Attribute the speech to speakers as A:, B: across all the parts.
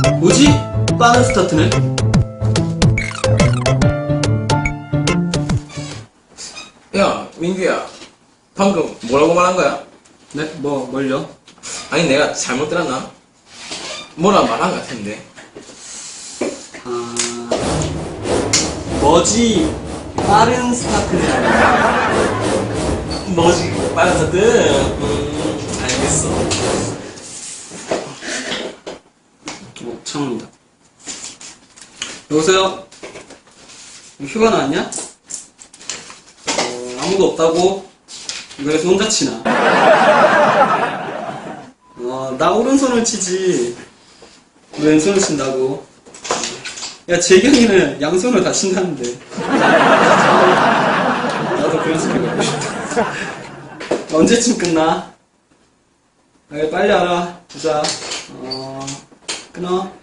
A: 뭐지? 빠른 스타트네?
B: 야, 민규야. 방금 뭐라고 말한 거야?
A: 네? 뭘요?
B: 아니, 내가 잘못 들었나? 뭐라 말한 것 같은데.
A: 뭐지? 빠른 스타트네.
B: 뭐지? 빠른 스타트? 알겠어.
A: 창입니다. 여보세요? 휴가 나왔냐? 아무도 없다고? 그래서 혼자 치나? 나 오른손을 치지 왜 왼손을 친다고? 야, 재경이는 양손을 다 친다는데. 나도 그런 스킬 갖고 싶다. 언제쯤 끝나? 빨리 알아. 보자. 끊어.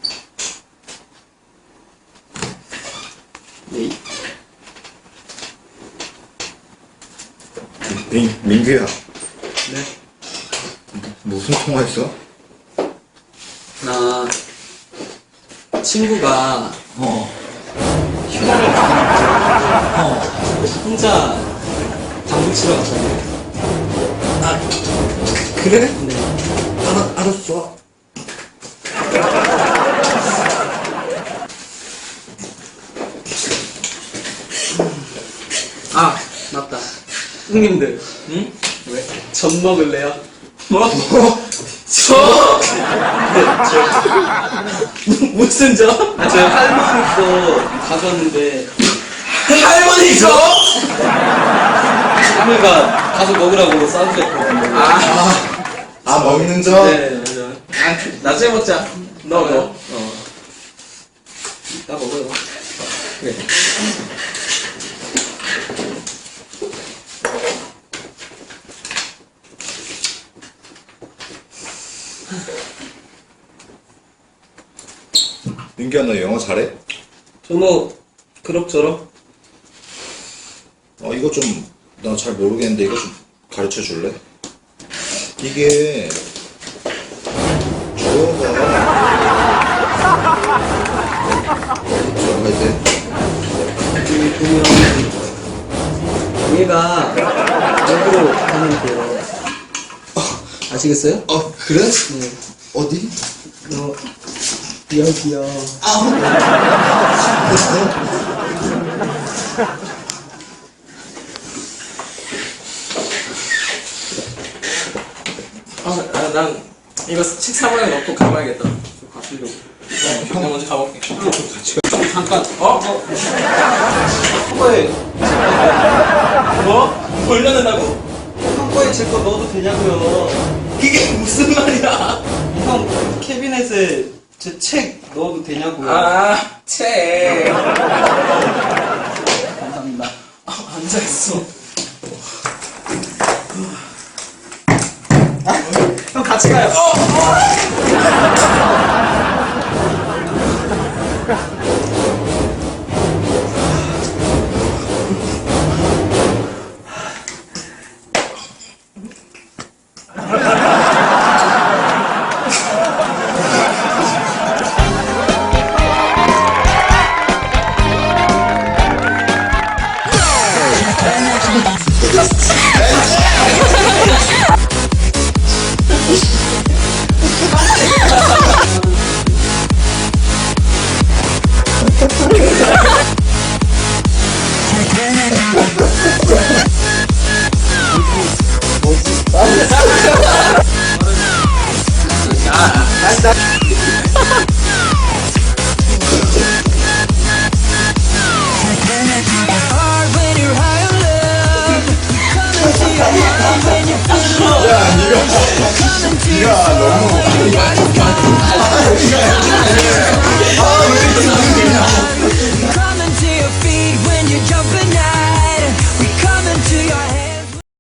A: 네.
C: 민규야,
A: 네.
C: 무슨 통화했어?
A: 나 친구가
C: 어.
A: 휴가를 혼자 당구 치러 갔거든요.
C: 그래?
A: 네.
C: 알았어.
A: 맞다. 형님들,
B: 응?
A: 왜? 전 먹을래요?
B: 뭐? 무슨 저?
A: 제가 할머니 거 가져왔는데,
B: 할머니 저?
A: 할머니가 가서 먹으라고 싸주셨거든요.
C: 먹는 점?
A: 네, 맞아.
B: 나중에 먹자. 너 뭐?
A: 이따 먹어요.
B: 그래.
C: 민규야, 너 영어 잘해?
A: 저 뭐, 그럭저럭.
C: 이거 좀, 나 잘 모르겠는데 이거 좀 가르쳐 줄래? 이게, 주어가, 뭐라고 해야 돼?
A: 여기 보면, 얘가 여기로 가면 돼요. 아시겠어요?
C: 그래?
A: 네.
C: 어디?
A: 여기요.
B: 난 이거 식사방에 넣고 가봐야겠다.
A: 가시려고.
B: 형 먼저 가볼게.
A: 잠깐.
B: 왜? 뭐? 돌려낸다고?
A: 한꺼에 제 거 넣어도 되냐고요.
B: 이게 무슨 말이야?
A: 형 캐비넷에 제 책 넣어도 되냐고요.
B: 책.
A: 감사합니다.
B: 앉아있어.
A: 형 같이 가요.
C: 야, 니가 너무